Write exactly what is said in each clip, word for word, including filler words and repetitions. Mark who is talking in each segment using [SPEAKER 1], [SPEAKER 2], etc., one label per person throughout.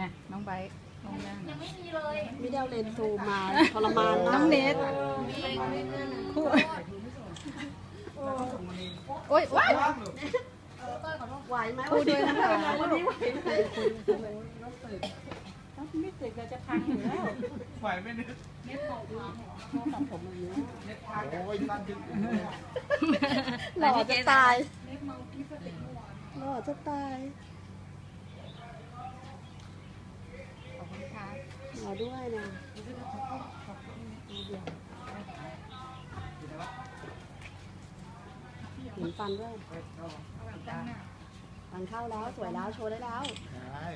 [SPEAKER 1] อ่ะน้องไบร์ทน้องย่าง
[SPEAKER 2] ยังไม่มีเลย
[SPEAKER 3] ไม่ได้เอาเลนส์ซูมมาทรมานมาก
[SPEAKER 1] น้องเนทคู่โอ๊ยว้าย
[SPEAKER 3] ไหวไหม
[SPEAKER 1] คู่ด้วยนะคะ
[SPEAKER 3] วันนี้ไหวไหม
[SPEAKER 1] ไม่ติดเราจะพังอยู่แล้ว
[SPEAKER 4] ไหวไหมเนี่ยเน็ตตัดผมอย่างนี้เน็ตพังโอ้ยตั้งขึ้น
[SPEAKER 3] หล่อจะตายหล่อจะตาย
[SPEAKER 1] ขอบคุณค่ะ
[SPEAKER 3] หล่อด้วยนะเห็นฟันด้วยฟันเข้าแล้วสวยแล้วโชว์ได้แล้ว
[SPEAKER 4] ใช่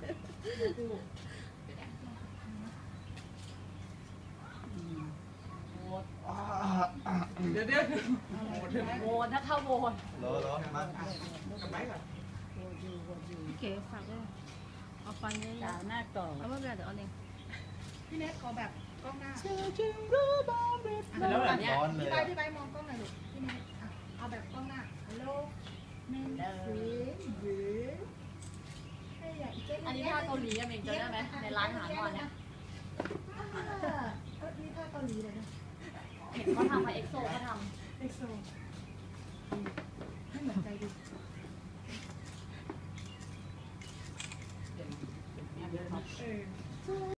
[SPEAKER 4] เดี๋ยวเดี๋ยว
[SPEAKER 2] โวนถ้าเข้าโวน
[SPEAKER 4] รอรอมากับไม้ก่อน
[SPEAKER 1] พี่เก๋ฝากด้วยเอาฟันเนี่ยยาวหน้าต่อแล้วไม่เป็นไรเดี๋ยวเอาเอง
[SPEAKER 5] พี่เนทขอแบบกล้องหน้า
[SPEAKER 4] เธอจึงรู้บ้างเม็ดแล้วแบบร้อนเลย
[SPEAKER 5] พี่ใบพี่ใบมองกล้องหน่อยลูกพี่เนทอ่ะเอาแบบกล้องหน้าฮัลโหลเมนสีหรือให้ใหญ่เจ๊
[SPEAKER 2] อันนี้ท่าเกาหลีอะเมงจำได้ไหมในร้านอาหารวันเนี่ย
[SPEAKER 5] เออนี่ท่าเกาหลีเลยนะ
[SPEAKER 2] เห็นเขาทำมาเอ็กโซเขาท
[SPEAKER 5] เอ็กโซ
[SPEAKER 2] ำ